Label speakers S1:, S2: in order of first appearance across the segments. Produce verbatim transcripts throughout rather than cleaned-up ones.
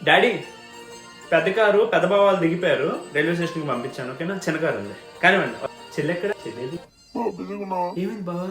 S1: Daddy పెద్ద car పెద్ద బావ వాళ్ళు దిగిపోయారు, రైల్వే స్టేషన్కి పంపించాను. ఓకేనా? చిన్న కారు ఉంది కానివ్వండి. చెల్లి ఎక్కడ? చెల్లేది ఏమైంది బావా?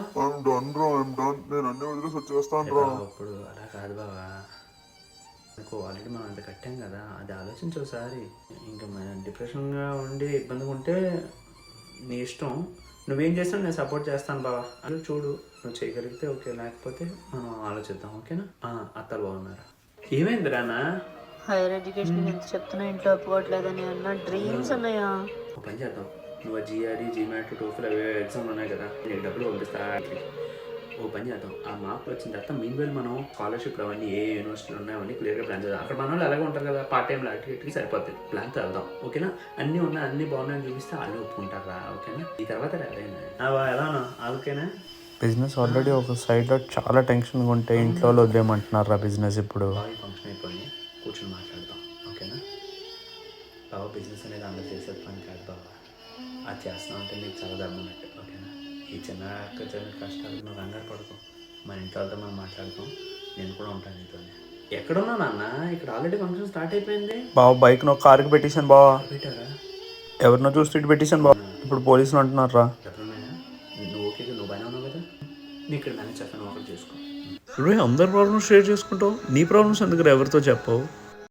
S1: ఇప్పుడు అలా కాదు బావా, నాకు ఆల్రెడీ మనం అంత కట్టాం కదా, అది ఆలోచించి ఒకసారి. ఇంకా మనం డిప్రెషన్గా ఉండి ఇబ్బందిగా ఉంటే నీ ఇష్టం, నువ్వేం చేస్తావు నేను సపోర్ట్ చేస్తాను బావా. అది చూడు, నువ్వు చేయగలిగితే ఓకే, లేకపోతే మనం ఆలోచిద్దాం. ఓకేనా? అత్తలు బాగున్నారా? ఏమైంది రానా?
S2: హైయర్ ఎడ్యుకేషన్ ఎంత చెప్తున్నా ఇంట్లో ఒప్పుకోవట్లేదని అన్న డ్రీమ్స్ ఉన్నాయా?
S1: ఒక పని చేద్దాం, నువ్వు జిఆర్ఈ జీమాట్ టోఫిల్ అవి ఎగ్జామ్లు ఉన్నాయి కదా, నీకు డబ్బులు పంపిస్తా. ఓ పని చేద్దాం, ఆ మార్కులు వచ్చిన తర్వాత మీన్ వేలు మనం స్కాలర్షిప్ అవన్నీ ఏ యూనివర్సిటీలు ఉన్నాయో అవన్నీ క్లియర్గా ప్లాన్ చేద్దాం. అక్కడ మన వాళ్ళు అలాగే ఉంటారు కదా, పార్ట్ టైం యాక్టివిటీకి సరిపోతుంది. ప్లాన్తో వెళ్దాం. ఓకేనా? అన్నీ ఉన్నాయి, అన్నీ బాగున్నాయని చూపిస్తే వాళ్ళు ఒప్పుకుంటారా? ఓకేనా? ఈ తర్వాత ఎలానా ఓకేనా?
S3: బిజినెస్ ఆల్రెడీ ఒక సైడ్లో చాలా టెన్షన్గా ఉంటే ఇంట్లో వదిలేయమంటున్నారు రా బిజినెస్. ఇప్పుడు
S1: ఫంక్షన్ అయిపోయి కూర్చొని మాట్లాడతాం. ఓకేనా? బాబా బిజినెస్ అనేది అందరూ చేసేది పని కాదు బాబా, అది చేస్తున్నాం అంటే నీకు చాలా దమ్మన్నట్టు. ఓకేనా? ఈ చిన్న చిన్న కష్టాలు నువ్వు కంగారు పడుకో, మన ఇంట్లో వాళ్ళతో మనం మాట్లాడుతాం, నేను కూడా ఉంటాను నీతో. ఎక్కడున్నా నాన్న? ఇక్కడ ఆల్రెడీ ఫంక్షన్ స్టార్ట్ అయిపోయింది.
S3: బావ బైక్ నువ్వు కార్కి పెట్టేశాను బావా.
S1: పెట్టారా?
S3: ఎవరినో చూసి ఇటు పెట్టేశాను బావ. ఇప్పుడు పోలీసులు అంటున్నారు రా.
S1: ఎప్పుడున్నాయా? నువ్వు ఓకే, నువ్వు బాగానే ఉన్నావు కదా, నీ ఇక్కడ మేనేజ్ చేస్తాను, ఒకటి చేసుకో.
S3: రే అందరి ప్రాబ్లమ్స్ షేర్ చేసుకుంటావు, నీ ప్రాబ్లమ్స్ ఎందుకు ఎవరితో చెప్పవు?